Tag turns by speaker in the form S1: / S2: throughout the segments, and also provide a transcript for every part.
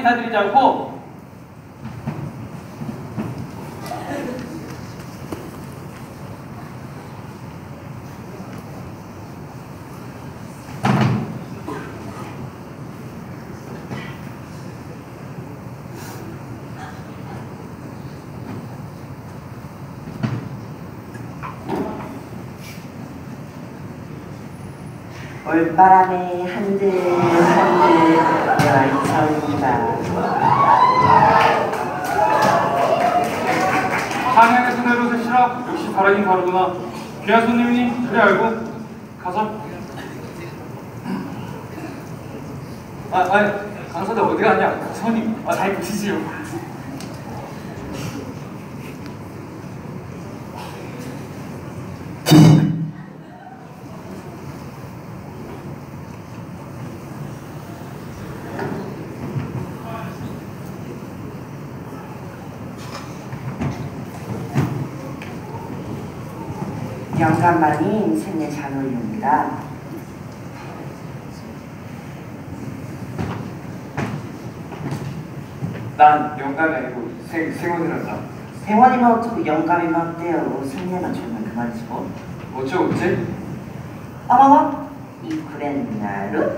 S1: 인사드리자고.
S2: 올바람에 한들한들 열천이다.
S1: 한양에서 내려오시라. 역시 바라긴 바르구나. 귀한 손님이니 그래 알고 가자. 강사들 어디 가냐? 손님 잘 보시지요.
S2: 영감만이 인생의 잔올입니다.
S1: 난 영감이 아니고 생원이란다.
S2: 생원이면 어쩌고 영감이면 어때요? 승리만 주면 그만이지 뭐.
S1: 어쩌고지?
S2: 어머머? 이 구레는 나루?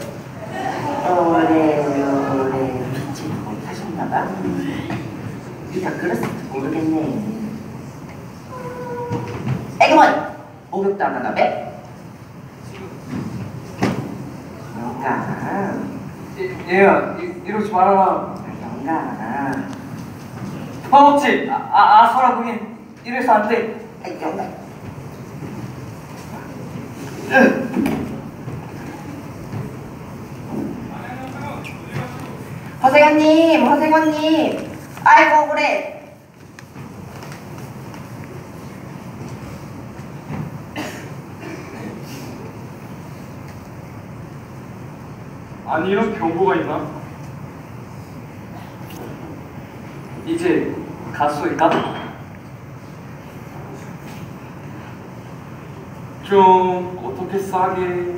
S2: 오래오래 믿지 못하셨나봐. 네가 그랬을지 모르겠네. 애기머니! 목욕도 안 하나 배? 영감.
S1: 얘야 이러지 말아라.
S2: 영감.
S1: 허벅지 서라 그게 이래서 안 돼.
S2: 영감. 허생원님. 아이고 그래.
S1: 아니 이런 경고가 있나? 이제 갔소이까? 좀 어떻게 싸게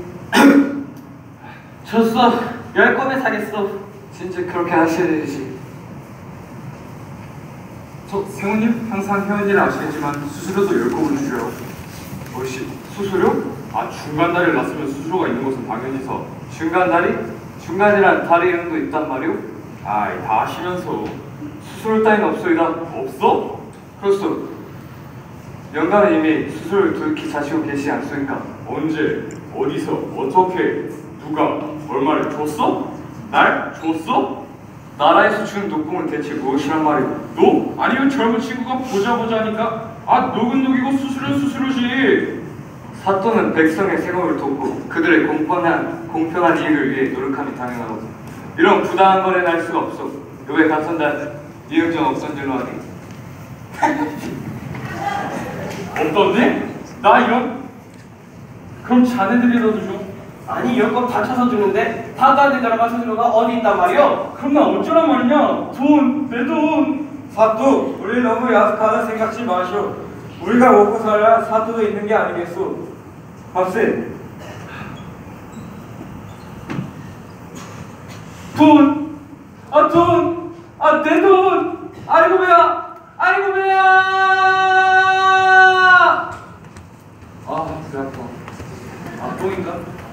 S1: 졌어. 10건에 사겠어. 진짜 그렇게 하셔야 되지. 저 생우님 항상 해온 일 아시겠지만 수수료도 10건을 주셔요. 뭐시 수수료? 중간다리를 났으면 수수료가 있는 것은 당연히서. 중간다리? 중간이란 다리 이름도 있단 말이오? 다 아시면서 수수료 따윈 없소이다. 없어? 그렇소. 영감은 이미 수수료를 두둑히 자시고 계시지 않소니까. 언제? 어디서? 어떻게? 누가? 얼마를 줬어? 날? 줬어? 나라에서 주는 녹봉은 대체 무엇이란 말이오? 녹? 아니면 젊은 친구가 보자 하니까 녹은 녹이고 수수료지. 사또는 백성의 생업을 돕고 그들의 공평한 이익을 위해 노력함이 당연하고 이런 부당한 거래는 할 수가 없어. 요게 감선단 이응정 없던질로 하니. 없던데? 나 이런? 그럼 자네들이라도 줘.
S3: 아니 여권 다 쳐서 주는데 다딴 데 나라가 수수료가 어디 있단 말이오?
S1: 그럼 나 어쩌란 말이냐? 돈, 내 돈.
S4: 사또, 우리 너무 야속하다 생각지 마시오. 우리가 먹고 살아야 사또도 있는 게 아니겠소. 밥세.
S1: 돈! 내 돈! 아이고 배야! 배 아파. 똥인가?